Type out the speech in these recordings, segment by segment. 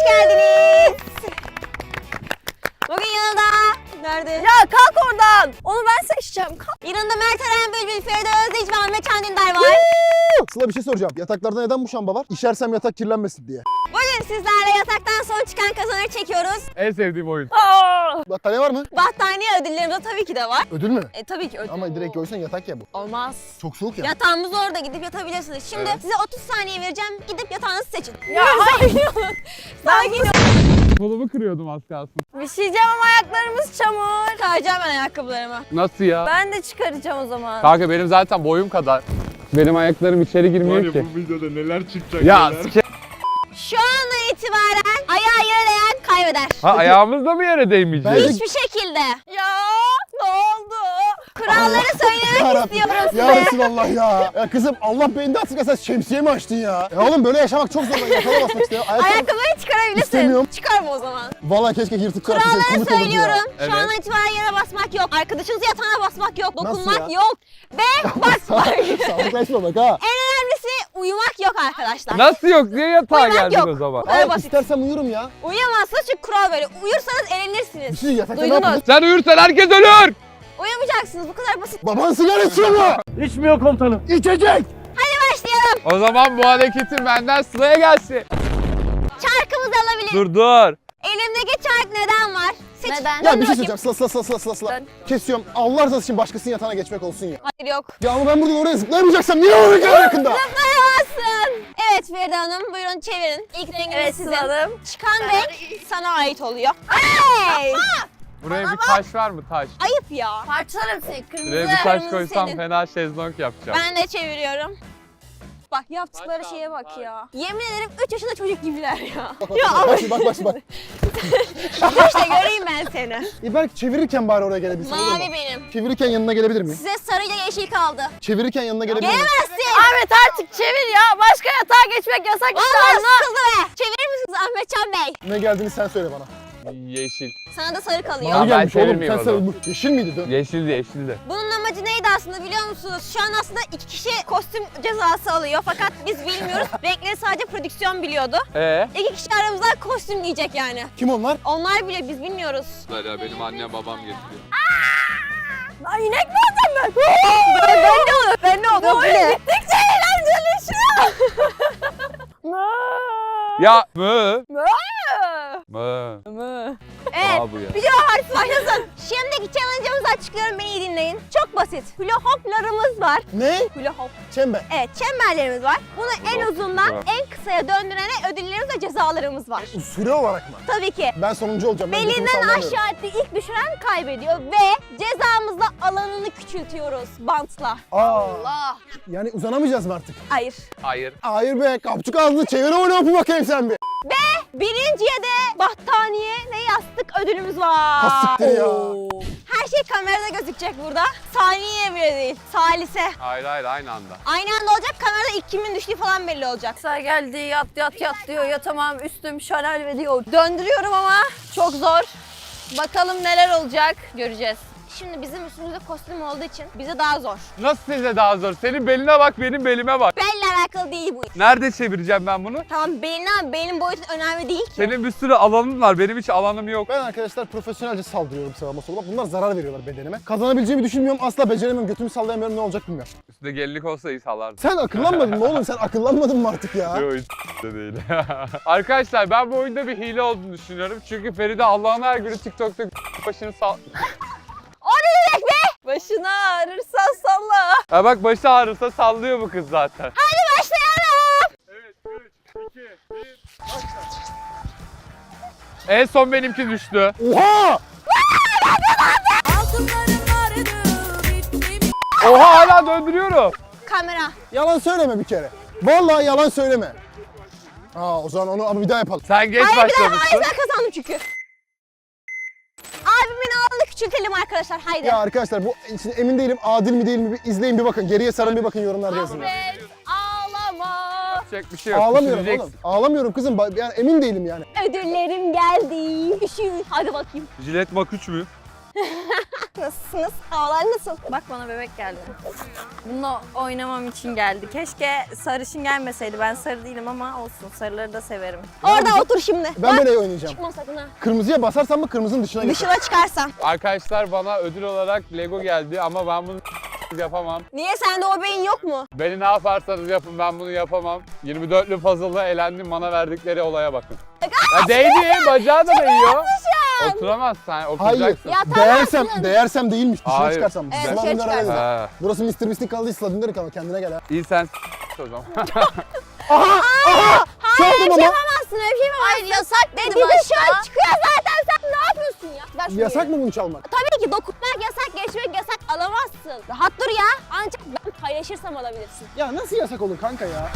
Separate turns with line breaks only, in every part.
geldiniz. Bugün yanımda... Nerede?
Ya kalk oradan. Onu ben seçeceğim. Kalk.
Yanımda Mert Eren Bülbül, Feride Özdeyici ve Ahmet Can Dündar var.
Sıla bir şey soracağım. Yataklarda neden muşamba var? İşersem yatak kirlenmesin diye.
Bugün sizlerle yataktan son çıkan kazanır çekiyoruz.
En sevdiğim oyun.
Battaniye var mı?
Battaniye ödüllerimiz de tabii ki de var.
Ödül mü?
Tabii ki ödül.
Ama direkt koysan yatak ya bu.
Olmaz.
Çok soğuk ya.
Yatağımız orada, gidip yatabilirsiniz. Şimdi size 30 saniye vereceğim. Gidip yatağınızı seçin.
Ya hayır.
Sakin ol.
Kolumu kırıyordum az kalsın.
Bir şey diyeceğim ama ayaklarımız çamur.
Çıkaracağım ben ayakkabılarımı.
Nasıl ya?
Ben de çıkaracağım o zaman.
Kanka benim zaten boyum kadar. Benim ayaklarım içeri girmiyor ki.
Bu videoda neler çıkacak
Ya
neler.
Şu andan itibaren ayağı yere değen kaybeder.
Ha ayağımız da mı yere değmeyecek?
Ben-
Hiçbir şekilde.
Ya ne oldu?
Kuralları söylemek
Yarabbim.
istiyorum
Ya
size.
Resulallah ya. Ya kızım Allah beyninde atsın sen şemsiye mi açtın ya? Ya oğlum böyle yaşamak çok zor. Ben yatağa basmak istiyorum.
Ayakkabıyı çıkarabilirsin.
İstemiyorum.
Çıkarma o zaman.
Vallahi keşke yırtık çıkartın.
Kuralları
Komik olurdu ya.
söylüyorum.
Evet.
Şu andan itibaren yere basmak yok. Arkadaşınızı yatağına basmak yok.
Nasıl
Dokunmak
ya?
yok. Ve basmak.
Sağlıklaşma bak ha.
En önemlisi uyumak yok arkadaşlar.
Nasıl yok? Niye yatağa
Uyumak
geldin
yok.
o zaman?
kadar
Ay,
basit.
istersem uyurum ya.
Uyuyamazsınız çünkü kural böyle. Uyursanız
Bir
elenirsiniz.
şey yatakta ne
Duydunuz.
yapalım?
Sen uyursan herkes ölür.
Uyumayacaksınız. Bu kadar basit.
Baban sigara içiyor mu?
İçmiyor komutanım.
İçecek.
Hadi başlayalım.
O zaman bu hareketin benden Sıla'ya gelsin.
Çarkımızı alabiliriz.
Dur.
Elimdeki çark neden var? Seç.
Neden?
Ya
Dön
bir şey
bakayım.
söyleyeceğim. Sıla.
Ben-
Kesiyorum. Allah razı için başkasının yatağına geçmek olsun ya.
Hayır yok.
Ya ama ben buradan oraya zıplayamayacaksam niye oraya kadar yakında?
Zıplayamazsın. Evet Feride Hanım, buyurun çevirin. İlk rengimiz
Evet
sizin.
Sıla'dım.
Çıkan renk sana ait oluyor. Hey!
Buraya bir taş var mı taş?
Ayıp ya.
Parçalarım seni kırmızı.
Buraya bir taş
kırmızı
koysam
senin.
fena şezlong yapacağım.
Ben de çeviriyorum. Bak yaptıkları
Taş
şeye
aldım,
bak
taş.
ya. Yemin ederim 3 yaşında çocuk gibiler ya.
Bak.
İşte göreyim ben seni.
Belki çevirirken bari oraya gelebilsin olur mu?
Mavi benim.
Çevirirken yanına gelebilir miyim?
Size sarıyla yeşil kaldı.
Çevirirken yanına gelebilir miyim?
Gelemezsin.
Ahmet artık çevir ya. Başka yatağa geçmek yasak işte
Allah
anla.
sıkıldı be. Çevirir misiniz Ahmetcan Bey?
Ne geldiğini sen söyle bana.
Yeşil.
Sana da sarı kalıyor.
Tamam.
Mavi
ben
gelmiş oğlum.
çevirmeyeyim
Sen
o zaman.
bu yeşil miydi? Dön.
Yeşildi.
Bunun amacı neydi aslında biliyor musunuz? Şu an aslında 2 kişi kostüm cezası alıyor fakat biz bilmiyoruz. Renkleri sadece prodüksiyon biliyordu. 2 kişi aramızdan kostüm giyecek yani.
Kim onlar?
Onlar bile biz bilmiyoruz.
Ya benim annem babam getiriyor.
Lan inek mi alacağım ben?
Ben ne olur? Ben ne olur?
Bu oyun gittikçe eğlenceleşiyor.
Ya mı?
Mı?
Mı?
Evet.
Aa bu ya.
Video harfi başlasın. Şimdiki challenge'ımızı açıklıyorum, beni iyi dinleyin. Çok basit. Hula hoplarımız var.
Ne?
Hula hop.
Çember.
Evet, çemberlerimiz var. Bunu en
hop
uzundan
var.
en kısaya döndürene ödüllerimiz ve cezalarımız var.
Süre olarak mı?
Tabii ki.
Ben sonuncu olacağım. Ben götümü
Belinden
sallamıyorum.
aşağı etti ilk düşüren kaybediyor ve cezamızla alanını küçültüyoruz bantla.
Aa, yani uzanamayacağız mı artık?
Hayır.
Hayır.
Hayır be, kapçuk ağzını çevir oyna bakayım sen bir.
Birinciye de battaniye ve yastık ödülümüz var.
Hastiktir ya.
Her şey kamerada gözükecek burada. Saniye bile değil. Salise.
Hayır aynı anda.
Aynı anda olacak. Kamerada ilk kimin düştüğü falan belli olacak.
Kısa geldi yat diyor. Yatamam üstüm şalal ve diyor.
Döndürüyorum ama çok zor. Bakalım neler olacak. Göreceğiz. Şimdi bizim üstümüzde kostüm olduğu için bize daha zor.
Nasıl size daha zor? Senin beline bak, benim belime bak.
Belle alakalı değil bu iş.
Nerede çevireceğim ben bunu?
Tamam benim boyutun önemli değil ki.
Senin bir sürü alanın var, benim hiç alanım yok.
Ben arkadaşlar profesyonelce saldırıyorum sağıma soluma. Bunlar zarar veriyorlar bedenime. Kazanabileceğimi düşünmüyorum. Asla beceremiyorum. Götümü sallayamıyorum. Ne olacak bilmiyorum.
Üstünde gelinlik olsa iyi salardım.
Sen akıllanmadın mı oğlum? Sen akıllanmadın mı artık ya?
Yok hiç de değil. Arkadaşlar ben bu oyunda bir hile olduğunu düşünüyorum. Çünkü Feride Allah'ın her günü TikTok'ta başını sal...
O ne demek be?
Başını ağrırsan salla.
Ha bak başı ağrısa sallıyor bu kız zaten.
Hadi başlayalım.
Evet 3, 2, 1, En son benimki düştü.
Oha!
Oha hala döndürüyorum.
Kamera.
Yalan söyleme bir kere. Vallahi yalan söyleme. O zaman onu ama bir daha yapalım.
Sen geç
Hayır
başlamışsın.
ben kazandım çünkü. Abimin ağırlığını küçültelim arkadaşlar. Haydi.
Ya arkadaşlar bu şimdi emin değilim adil mi değil mi bir izleyin bir bakın. Geriye sarın bir bakın yorumlarda yazın.
Ahmet ağlama.
Yapacak bir şey yok.
Ağlamıyorum
Düşüneceksin.
oğlum. Ağlamıyorum kızım. Yani emin değilim yani.
Ödüllerim geldi. Üşüyün. Hadi bakayım.
Jilet Mak 3 mü?
Nasılsınız? Havalar nasıl?
Bak bana bebek geldi. Bununla oynamam için geldi. Keşke sarışın gelmeseydi. Ben sarı değilim ama olsun. Sarıları da severim.
Orada otur şimdi.
Ben böyle oynayacağım.
Çıkma sakın ha.
Kırmızıya basarsam mı kırmızının dışına geçer.
Dışına çıkarsan.
Arkadaşlar bana ödül olarak Lego geldi ama ben bunu yapamam.
Niye sende o beyin yok mu?
Beni ne yaparsanız yapın ben bunu yapamam. 24'lü puzzle'da elendim, bana verdikleri olaya bakın. Ya değdi, bacağı da değiyor. Oturamazsın, sen
Hayır.
oturacaksın.
Ya tamam.
Değersem değilmiş. Dışına
Hayır.
çıkarsam.
Evet,
Sıla
dışarı
Dündar
çıkarsın.
öyle dedi.
Ha,
Burası Mr. Mystic kaldı. Sıla Dündar kaldı. Kendine gel ha.
iyi sen o zaman.
Çaldım
Hayır,
ama.
yapamazsın, öyle bir şey yapamazsın.
Hayır yasak
Dedi
dedim
şu an
aşağı.
çıkıyor zaten, sen ne yapıyorsun ya? Ver şunu
Yasak
yere.
mı bunu çalmak?
Tabii ki dokunmak yasak, geçmek yasak, alamazsın. Rahat dur ya. Ancak ben paylaşırsam alabilirsin.
Ya nasıl yasak olur kanka ya?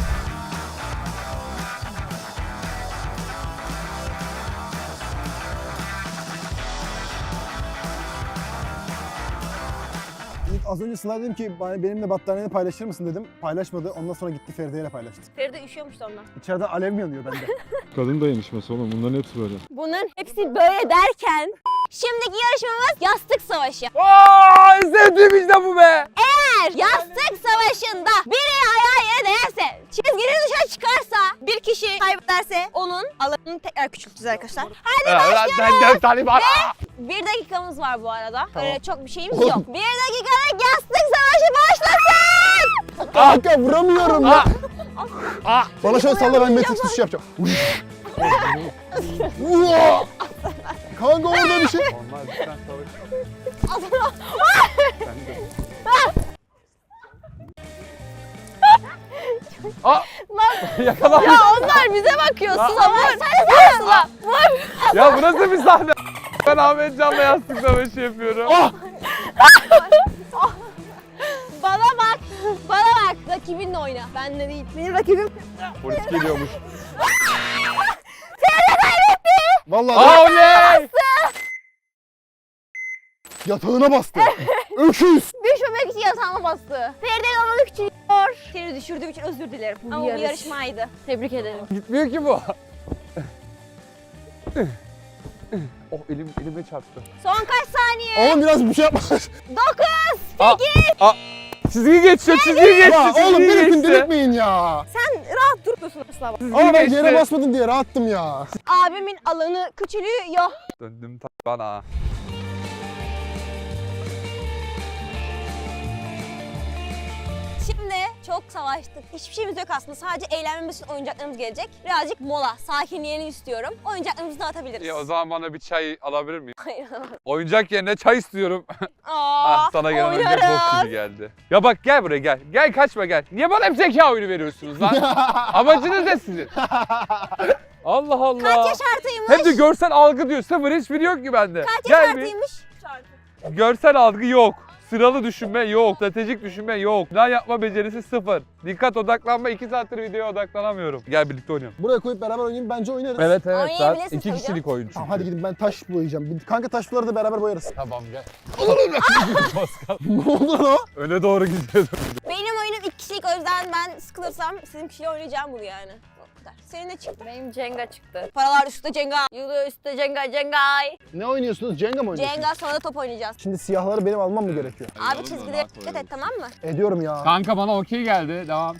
Az önce Sıla dedim ki benimle battaniyeni paylaşır mısın dedim. Paylaşmadı. Ondan sonra gitti Feride'yle paylaştı.
Feride üşüyormuş da ondan.
İçeriden alev mi yanıyor bende?
Kadın dayanışması oğlum. Bunların hepsi böyle.
Bunların hepsi böyle derken şimdiki yarışmamız yastık savaşı.
Aa, sevdiğim işte bu be.
Eğer yastık savaşında biri ayağı yere değerse, çizginin dışarı çıkarsa, bir kişi kaybederse onun alanını tekrar küçülteceğiz arkadaşlar. Hadi
Sen de Taliban.
bir dakikamız var bu arada.
Tamam.
Öyle çok bir şeyimiz yok. Bir dakikalık yastık savaşı başlasın.
Kanka vuramıyorum ya.
Aa.
Bana şöyle salla, ben Matrix tuşu yapacağım. Uaa! Kanka orada bir şey.
Normal bir sen savaş. Aa! Yakalamış.
Ya onlar bize bakıyor. Sıla vur.
Sıla.
Ya bu nasıl bir sahne? Ben Ahmet Can'la yastık savaşı yapıyorum.
Bana bak. Bana bak. Rakibinle oyna. Benle değil. Benim rakibim.
Polis geliyormuş.
Vallahi
Oley!
yatağına bastı. Öküz.
Düşmemek için yatağıma bastı. Feride'nin alanı küçülüyor. Seni düşürdüğüm için özür dilerim. Ama bu
yarış.
yarışmaydı.
Tebrik ederim.
Gitmiyor ki bu. Oh elime çarptı.
Son kaç saniye?
Oğlum biraz bir şey yapma.
9.
Aa, çizgi geçiyor, çizgi geçti,
Ya
çizgi
oğlum beni
geçti.
gündelikmeyin ya.
Sen rahat durmuyorsun asla.
Ama ben
geçti.
yere basmadım diye rahattım ya.
Abimin alanı küçülüyor.
Döndüm bana.
Şimdi çok savaştık. Hiçbir şeyimiz yok aslında. Sadece eğlenmemiz için oyuncaklarımız gelecek. Birazcık mola, sakinliğini istiyorum. Oyuncaklarımızı dağıtabiliriz.
Ya o zaman bana bir çay alabilir miyim?
Hayır.
Oyuncak yerine çay istiyorum.
Aa,
Sana gelen oyuncak
oynarız.
bok gibi geldi. Ya bak gel buraya gel. Gel kaçma gel. Niye bana hep zeka oyunu veriyorsunuz lan? Amacınız ne sizin? Allah Allah.
Kaç yaş artıymış?
Hem de görsel algı diyor. Sıfır hiçbiri yok ki bende.
Kaç
Gel
yaş
bir.
artıymış?
Görsel algı yok. Sıralı düşünme yok. Stratejik düşünme yok. Plan yapma becerisi sıfır. Dikkat odaklanma. 2 saattir videoya odaklanamıyorum. Gel birlikte oynayalım.
Buraya koyup beraber oynayayım, bence oynarız.
Evet evet.
Oynayabilirsin
2
tabii
kişilik oyun çünkü.
Tamam, hadi gidin, ben taş boyayacağım. Kanka taşları da beraber boyarız.
Tamam gel.
Ne oldu lan o?
Öne doğru gidiyordum.
Benim oyunum 2 kişilik, o yüzden ben sıkılırsam istediğim kişiyle oynayacağım bunu yani. O kadar. Senin ne çıktı?
Benim Cenga çıktı.
Paralar üstte Cenga.
Yılı üstte Cenga Cengay.
Ne oynuyorsunuz? Jenga mı oynuyorsunuz?
Cenga, sonra da top oynayacağız.
Şimdi siyahları benim almam mı gerekiyor?
Abi çizgilere dikkat et, tamam mı?
Ediyorum ya.
Kanka bana okey geldi. Devam.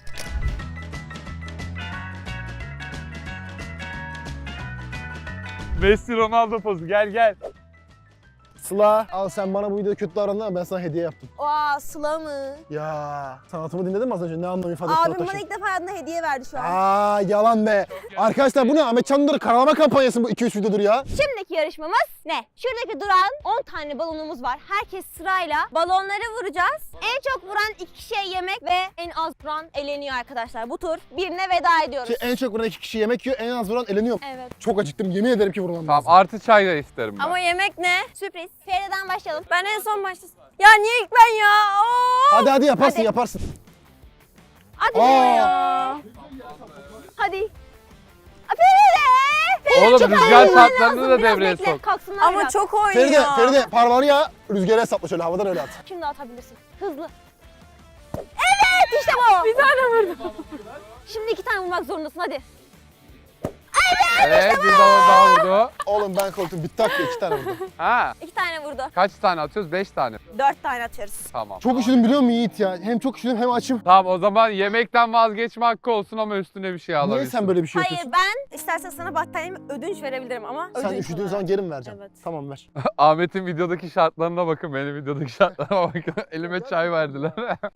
Messi Ronaldo pozu. Gel gel.
Sıla, al sen bana bu videoda kötü davrandın ama ben sana hediye yaptım.
Aa, Sıla mı?
Ya sanatımı dinledin mi az önce? Ne anlam ifade etti o
Abim
taşın?
bana ilk defa hayatında hediye verdi şu an.
Aa yalan be. Arkadaşlar bu ne? Ahmet Çandır'ı karalama kampanyası mı? 2-3 videodur ya.
Şimdiki yarışmamız ne? Şuradaki duran 10 tane balonumuz var. Herkes sırayla balonları vuracağız. En çok vuran 2 kişiye yemek ve en az vuran eleniyor arkadaşlar. Bu tur birine veda ediyoruz.
Ki en çok vuran 2 kişi yemek yiyor, en az vuran eleniyor.
Evet.
Çok acıktım, yemin ederim ki vurmam
Tamam
lazım.
artı çay da isterim ben.
Ama yemek ne?
Sürpriz. Feride'den başlayalım.
Ben en son başlasın. Ya niye ilk ben ya? Oo!
Hadi yaparsın
Hadi.
yaparsın.
Hadi
Aa.
ya. Hadi. Aa, Feride!
Oğlum,
çok
rüzgar
ayırman
saatlerini
lazım.
de
Biraz
devreye
bekle,
sok.
Kalksınlar
Ama
biraz.
çok oynuyor.
Feride parmağını ya rüzgara hesapla şöyle havadan öyle at.
Şimdi atabilirsin. Hızlı. Evet, işte bu. Bir tane vurdum. Şimdi 2 tane vurmak zorundasın, hadi.
Evet bir balon daha vurdum. o?
Oğlum ben korktum. Bitti hakkı 2 tane vurdu.
Ha.
2 tane vurdu.
Kaç tane atıyoruz? 5 tane.
4 tane atıyoruz.
Tamam.
Çok üşüdüm biliyor musun Yiğit ya? Hem çok üşüdüm hem açım.
Tamam o zaman yemekten vazgeçme hakkı olsun ama üstüne bir şey alabilirsin.
Niye sen böyle bir şey
Hayır
yapıyorsun?
ben istersen sana battaniyemi ödünç verebilirim ama
Sen
ödünç
üşüdüğün
olarak.
zaman geri mi vereceksin?
Evet.
Tamam ver.
Ahmet'in videodaki şartlarına bakın, benim videodaki şartlarıma bakın. Elime çay verdiler.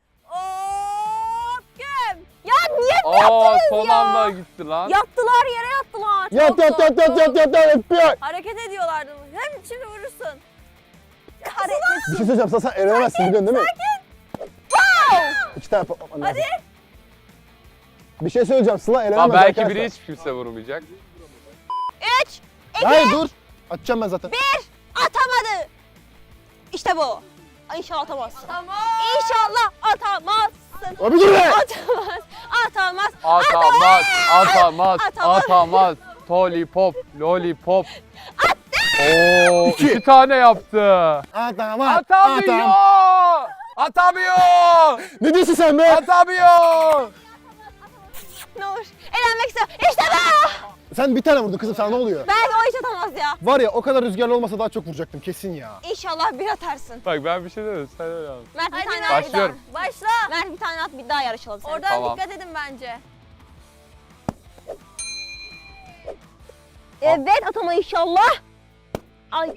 Of güm. Ya niye
Aa
yaptınız
son
ya?
anda gitti lan.
Yattılar yere yattılar.
Yat
Çok
yat yat yat
korktum.
yat yat yat.
Hareket ediyorlardı. Hem şimdi vurursun.
Bir şey söyleyeceğim sana, sen eğlenemezsin biliyorsun değil mi?
Wow.
2 tane patlatman lazım. Hadi. Bir şey söyleyeceğim, Sıla eğlenemez
Lan belki
arkadaşlar.
biri hiç kimse vurmayacak.
3, 2,
Hayır dur. Atacağım ben zaten.
atamadı. İşte bu. İnşallah atamazsın.
Tamam.
İnşallah atamazsın.
Abi dur be!
Atamaz. Atamaz.
Atamaz, atamaz,
Atamaz.
atamaz. Lollipop, lollipop. Oo,
İki.
2 tane yaptı.
Atamam.
Atamıyor! Atamıyor!
Ne diyorsun sen be?
Atamıyor!
Ne olur. Elenmek istiyorum. İşte bu.
Sen bir tane vurdun kızım, sana ne oluyor?
Belki o hiç atamaz ya.
Var ya, o kadar rüzgarlı olmasa daha çok vuracaktım kesin ya.
İnşallah bir atarsın.
Bak ben bir şey demedim, sen öyle anladın.
Mert bir
Hadi
tane
Mert.
at bir daha.
Başlıyorum.
Başla.
Mert bir tane at bir daha yarışalım seninle.
Oradan
Tamam.
dikkat edin bence.
Evet atama inşallah. Ay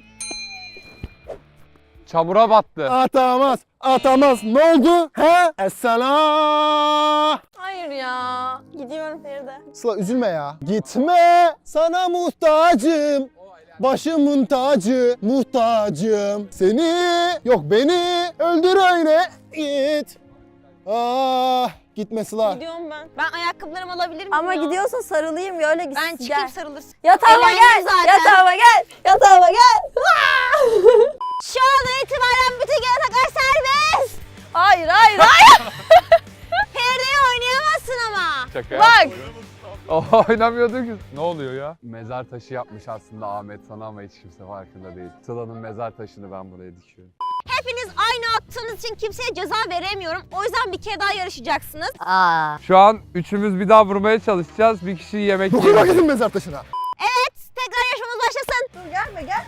Çamura battı.
Atamaz, atamaz. Ne oldu? He? Esselam.
Hayır ya.
gidiyorum Feride.
Sıla üzülme ya. Gitme, sana muhtacım. Başımın tacı, muhtacım. Seni, yok beni öldür öyle git. Ah, gitme Sıla.
Gidiyorum ben. Ben ayakkabılarımı alabilir miyim
Ama
ya?
gidiyorsun sarılayım ya öyle gitsin.
Ben çıkayım sarılırsın.
Yatağıma
Eğlendim
gel.
zaten.
Yatağıma gel. Yatağıma gel.
Şu andan itibaren bütün yataklar serbest.
Hayır hayır hayır.
Feride'yi oynayamazsın ama.
Şaka
Bak.
Oynamıyorduk ki. Ne oluyor ya? Mezar taşı yapmış aslında Ahmet sana ama hiç kimse farkında değil. Sıla'nın mezar taşını ben buraya dikiyorum.
Hepiniz aynı attığınız için kimseye ceza veremiyorum. O yüzden bir kere daha yarışacaksınız.
Şu an üçümüz bir daha vurmaya çalışacağız. Bir kişi yemek
Dokunma
yiyecek.
kızım mezar taşına.
Evet, tekrar yarışmamız başlasın.
Dur gelme gel.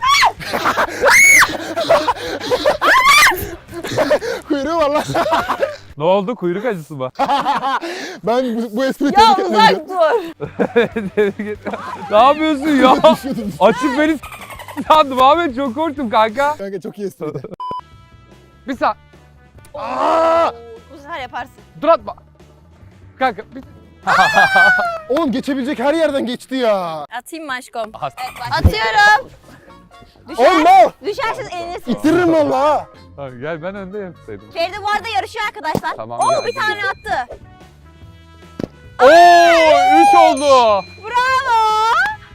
Kuyruğu var lan.
Ne oldu? Kuyruk acısı mı?
Ben bu espriyi
Ya
tebrik
uzak
etmem.
dur.
Ne yapıyorsun ya?
Düşüyordum.
Açıp beni sandım Ahmet, çok korktum kanka.
Kanka çok iyi espriydi.
Bir saniye.
Aa!
Bu sefer yaparsın.
Dur atma. Kanka bir...
Oğlum geçebilecek her yerden geçti ya.
Atayım mı aşkım?
Evet, başla.
Atıyorum.
Oğlum ne?
Düşerseniz elinirsiniz.
İttiririm valla.
Tamam, gel ben önde yapsaydım.
Feride bu arada yarışıyor arkadaşlar.
Tamam,
Oo
gel,
bir tane attı.
Oo 3 oldu.
Bravo.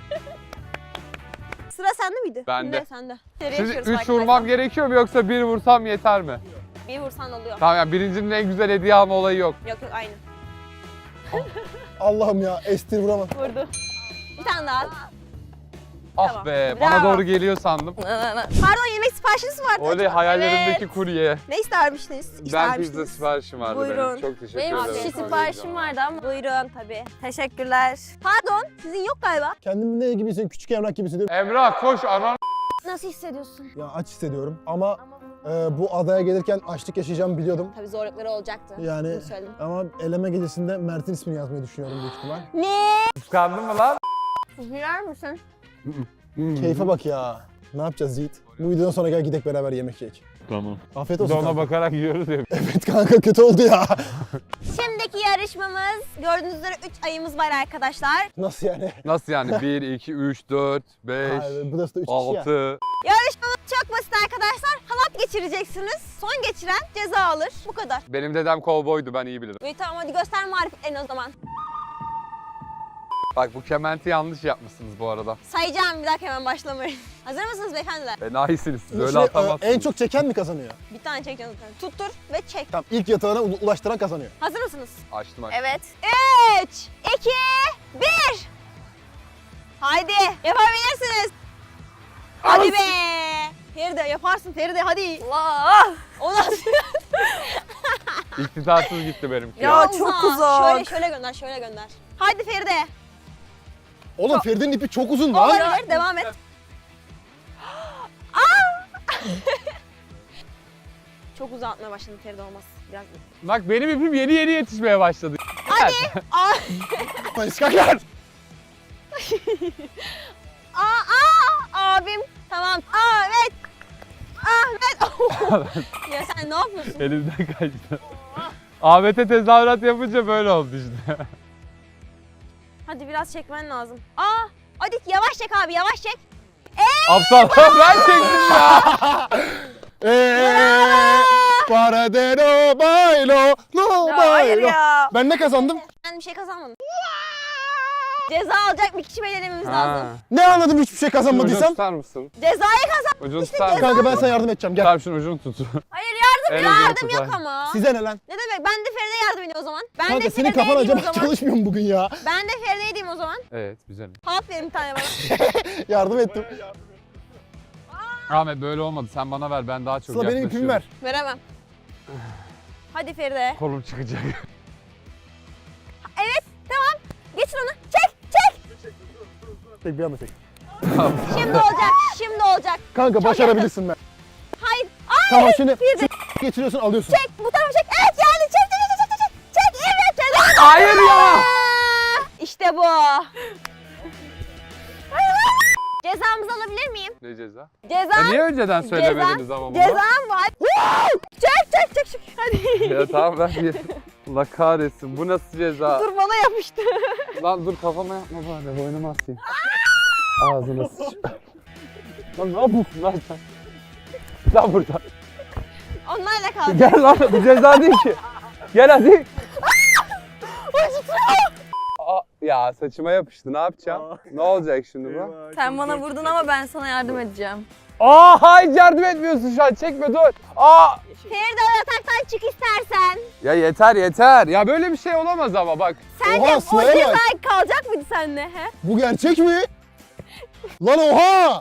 Sıra sende miydi?
Bende.
Ne sende? Seri
Şimdi
yarışıyoruz
3 vurmam gerekiyor mu yoksa 1 vursam yeter mi?
Bir vursan oluyor.
Tamam yani birincinin en güzel hediye alma olayı yok.
Yok yok aynı.
Allah'ım ya, estir vuramam.
Vurdu. Bir tane daha at.
Ah
Tamam.
be,
Bravo.
bana doğru geliyor sandım.
Pardon yemek siparişiniz vardı.
Oley, hayallerimdeki kurye.
Ne istermiştiniz?
Ben
İstermiştiniz.
pizza siparişim vardı
Buyurun.
benim. Çok teşekkür
Benim
ederim.
sushi siparişim vardı ama.
Buyurun tabii.
Teşekkürler.
Pardon sizin yok galiba.
Kendimi ne gibi hissediyorum? Küçük Emrah gibi hissediyorum.
Emrah koş anan.
Nasıl hissediyorsun?
Ya aç hissediyorum ama bu adaya gelirken açlık yaşayacağımı biliyordum.
Tabii zorlukları olacaktı.
Yani
Bunu söyledim.
ama eleme gecesinde Mert'in ismini yazmayı düşünüyorum büyük ihtimal.
Ne?
Kıskandın mı lan?
Bilir misin?
Keyfe bak ya. Ne yapacağız Yiğit? Bu videodan sonra gel gidelim beraber yemek yiyek.
Tamam.
Afiyet
Biz de
olsun
ona
kanka.
bakarak yiyoruz ya.
Evet kanka, kötü oldu ya.
Şimdiki yarışmamız gördüğünüz üzere 3 ayımız var arkadaşlar.
Nasıl yani?
Nasıl yani? 1, 2, 3, 4, 5,
Hayır, burası da 3 kişi ya.
6.
Yarışmamız çok basit arkadaşlar. Halat geçireceksiniz. Son geçiren ceza alır. Bu kadar.
Benim dedem kovboydu, ben iyi bilirim.
İyi tamam hadi göster marifetlerini o zaman.
Bak bu kementi yanlış yapmışsınız bu arada.
Sayacağım bir dakika hemen başlamayın. Hazır mısınız beyefendiler?
Enayisiniz siz, öyle
Şey,
atamazsınız.
en çok çeken mi kazanıyor?
Bir tane çekeceğim zaten. Tuttur ve çek.
Tamam, ilk yatağına ulaştıran kazanıyor.
Hazır mısınız?
Açtım.
Evet.
3, 2, 1. Haydi yapabilirsiniz. Hadi be. Feride yaparsın Feride hadi.
Allah.
O nasıl?
İktidarsız gitti benimki.
Ya çok uzak.
Şöyle gönder şöyle gönder. Hadi Feride.
Oğlum Feride'nin ipi çok uzun lan.
Olabilir, devam et. Çok uzatmaya başladım Feride olmaz. Biraz
Bak benim ipim yeni yetişmeye başladı.
İskaklar.
abim. Tamam. Ahmet. Ya sen ne yapıyorsun?
Elimden kaçtı. Ahmet'e tezahürat yapınca böyle oldu işte.
Hadi biraz çekmen lazım. Hadi yavaş çek abi, yavaş çek.
Aptal ben çektim ya.
Para de no bailo, no
Ya hayır
bailo.
ya.
Ben ne kazandım?
Ben bir şey kazanmadım. Ceza alacak bir kişi belirlememiz lazım.
Ne anladım hiçbir şey
Ucunu
kazanmadıysam?
tutar mısın?
Cezayı kazan.
Ucunu tutar mısın?
Kanka ben sana yardım edeceğim gel.
Tamam şunun ucunu tut.
Hayır
Yardım
yok ama.
Size ne lan?
Ne demek? Ben de Feride'ye yardım edeyim o zaman. Ben
Kanka
de
senin
Feride'ye
kafan
edeyim o
acaba
zaman.
çalışmıyor mu bugün ya?
Ben de Feride'ye edeyim o zaman.
Evet güzel.
Halk verin bir tane bana.
Yardım ettim.
Ahmet böyle olmadı. Sen bana ver. Ben daha çok
Sıla benim ipimi ver.
Veremem. Hadi Feride.
Kolum çıkacak.
Evet, tamam. Geçin onu. Çek.
Tek bir anda çek.
Şimdi olacak.
Kanka başarabilirsin ben.
Hayır.
Tamam şimdi
Feride.
geçiriyorsun alıyorsun.
Çek, bu tarafa çek. Evet yani çek. Evet Feride.
Hayır ya.
İşte bu. Cezamızı alabilir miyim?
Ne ceza?
Cezam.
Niye önceden söylemediniz ama bunu?
Cezam var. Çek. Hadi.
Ya tamam ben bir... Allah kahretsin. Bu nasıl ceza?
Dur bana yapıştı.
Lan dur kafama yapma bari. Boynuma asayım. Ağzına sıç. Lan ne yapıyorsun lan sen? Lan burada.
Onlarla kaldı.
Gel lan bu ceza değil ki. Gel hadi. Ya saçıma yapıştı ne yapacağım? Ne olacak şimdi bu?
Sen bana vurdun ama ben sana yardım edeceğim.
Hayır yardım etmiyorsun şu an çekme dur.
Feride o yataktan çık istersen.
Ya yeter. Ya böyle bir şey olamaz ama bak.
Sen
Oha,
de o
Sıla'ya
ceza
bak.
kalacak mıydı seninle? He?
Bu gerçek mi? Lan oha!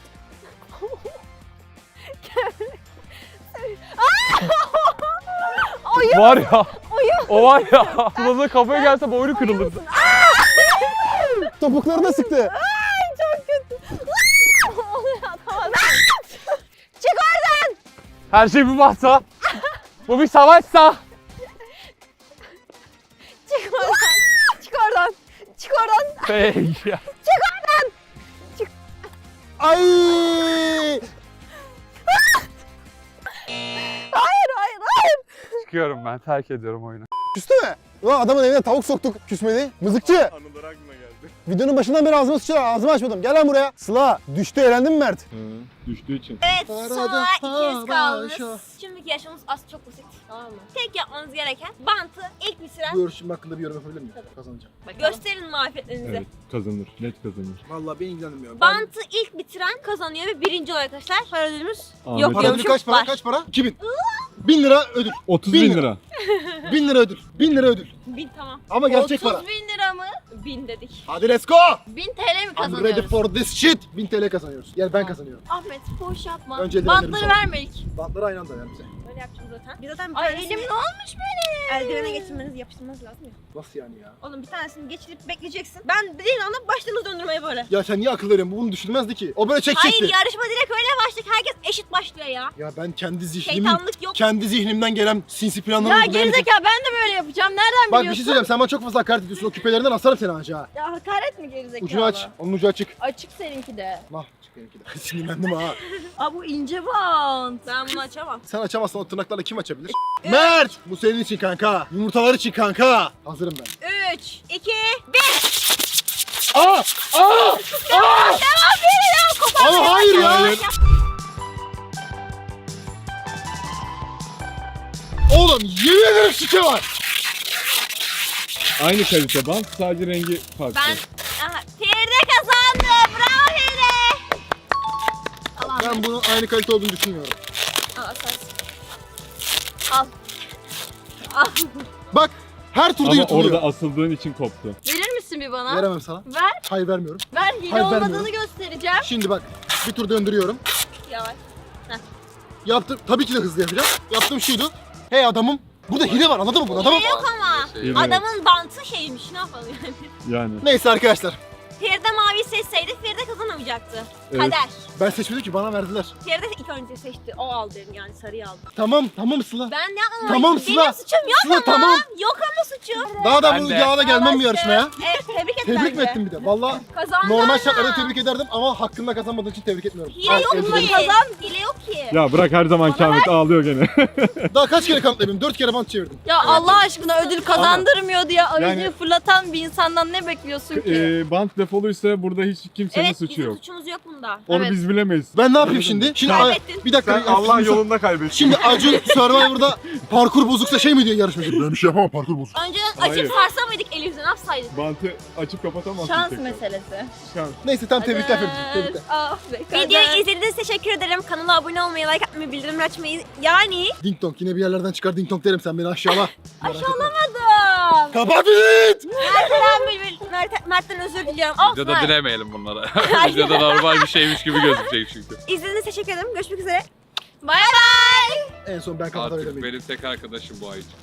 Oyun.
Var ya.
Oyun.
O var ya. Sıla'da kafaya gelse boynu kırılırdı.
Topuklarına sıktı.
Ay çok kötü. Oluyor tamam. Çık oradan.
Her şey bir bahsa. Bu bir savaşsa.
Çık oradan. Çık oradan. Çık oradan.
Peki.
Çık oradan.
Ay!
Hayır.
Çıkıyorum ben terk ediyorum oyunu.
Küstü mü? Ulan adamın evine tavuk soktuk küsmedi. Mızıkçı.
Anılar aklıma geldi.
Videonun başından beri ağzımı açmadım. Gel lan buraya. Sıla düştü eğlendin mi Mert?
Düştüğü için.
Evet
Arada
sonra ikiniz kaldınız.
başa.
Şimdiki yaşamımız aslında çok basit. Tamam mı? Tek yapmanız gereken bantı ilk bitiren.
Bu yarışım hakkında bir yorum yapabilir miyim? Kazanacağım.
Gösterin marifetlerinizi.
Evet kazanır. Net kazanır.
Vallahi beni ilgilenmiyor.
Bantı ilk bitiren kazanıyor ve birinci oluyor arkadaşlar. Para ödülümüz
Ahmet
yok
abi.
Para
diyormuşum.
ödülü kaç para?
Var.
Kaç para? 2000. 1000 lira ödül.
30
bin
bin
lira.
lira.
1000 lira ödül. 1000 lira ödül.
1000 tamam.
Ama gerçek
30
para.
bin lira mı?
1000 dedik.
Hadi let's go.
1000 TL mi
I'm ready
kazanıyoruz?
for this shit. 1000 TL kazanıyoruz. Yani ben kazanıyorum.
Ahmet boş yapma.
Önce eldivenlerimi
Bantları
sor.
verme ilk.
Bantları aynı anda ver bize.
Öyle yapacağım zaten. Biz zaten bir
Ay
tanesini
elim ne olmuş benim?
eldivene geçirmeniz, yapıştırmanız lazım ya.
Nasıl yani ya?
Oğlum bir tanesini geçirip bekleyeceksin. Ben dediğin anda başladınız döndürmeye böyle.
Ya sen niye akıl veriyorsun? Bu bunu düşünmezdi ki. O böyle çekecekti.
Hayır yarışma direkt öyle başladık. Herkes eşit başlıyor ya.
Ya ben
Şeytanlık yok.
kendi zihnimden gelen sinsi planları
Ya
uygulayamayacağım.
gerizekalı ben de böyle yapacağım. Nereden
Bak bir
biliyorsun?
şey söyleyeceğim. Sen bana çok fazla hakaret ediyorsun. O küpelerinden asarım seni anca ha.
Ya hakaret mi gerizekalı?
Ucunu aç. Onun ucu açık.
Açık seninki de.
Nah çık benimki de. Sinirlendim ha.
Aa bu ince bant.
Ben bunu açamam.
Sen açamazsan o tırnaklarla kim açabilir? Mert! Bu senin için kanka. Yumurtalar için kanka. Hazırım ben.
3, 2, 1.
Aa! Aa! Aa! Ama hayır ya. Oğlum yemin ederim şike var.
Aynı kalite bant sadece rengi farklı.
Ben Feride kazandı. Bravo Feride.
Ben bunun aynı kalite olduğunu düşünmüyorum.
Al sen. Al.
Bak her turda
Ama
yutuluyor.
orada asıldığın için koptu.
Verir misin bir bana?
Veremem sana.
Ver.
Hayır vermiyorum.
Ver hile
Hayır,
olmadığını
vermiyorum.
göstereceğim.
Şimdi bak bir tur döndürüyorum.
Yavaş.
Yaptım. Tabii ki de hızlı yapacağım. Yaptığım şuydu. Hey adamım. Burada hile var anladın mı bunu? Adamım.
Yok ama.
Evet.
Adamın bantı şeymiş. Ne yapalım yani?
Yani.
Neyse arkadaşlar.
Feride mavi seçseydi Feride kazanamayacaktı.
Evet.
Kader.
Ben seçmedim ki, bana verdiler.
Feride ilk önce seçti. O aldı yani sarıyı aldı.
Tamam Sıla.
Ben ne yapmadım?
Tamam,
Benim
Sıla.
suçum yok
Sıla,
ama.
tamam.
Yok ama suçum.
Daha da
Ben
bu
de.
yağla gelmem bu yarışmaya.
Evet tebrik et
Tebrik mi
bence.
ettin bir de? Valla
Kazandın
normal
ama.
şartlarda tebrik ederdim ama hakkında kazanmadığın için tebrik etmiyorum.
Hile
Al,
yok
elde
mu?
ederim.
Hile yok ki.
Ya bırak her zaman Ahmet ağlıyor gene.
Daha kaç kere kanıtlayayım? 4 kere bant çevirdim.
Ya Allah aşkına ödül kazandırmıyor diye aracı
Yani-
fırlatan bir insandan ne bekliyorsun ki?
Bant defoluysa burada hiç kimsenin
Evet
suçu
bizim
yok.
suçumuz yok bunda.
Onu
Evet.
biz bilemeyiz.
Ben ne yapayım şimdi? Şimdi
Kaybettin.
bir dakika.
Sen Allah yolunda kaybettin.
Şimdi Acun Survivor'da parkur bozuksa şey mi diyor yarışmacı? Ben bir şey yapamam, parkur bozuk.
Önceden
Hayır.
açıp sarsamaydık elimizden, ne yapsaydık?
Bantı açıp kapatamazsın.
Şans
tekrar.
meselesi.
Şans.
Neyse tamam, tebrikler Feride. Tebrikler.
Ah be.
Videoyu izlediğiniz için teşekkür ederim. Kanala abone olmayı, like atmayı, bildirimleri açmayı. Yani
Ding dong, yine bir yerlerden çıkar ding dong derim, sen beni aşağıla.
aşağılamadım.
Kapat it!
Mert'ten özür diliyorum. Of,
Videoda
Mert.
dilemeyelim bunlara. Videoda normal bir şeymiş gibi gözükecek çünkü.
İzlediğiniz için teşekkür ederim. Görüşmek üzere.
Bay bay.
En son ben kapatabilirim.
Artık benim tek arkadaşım bu ay için.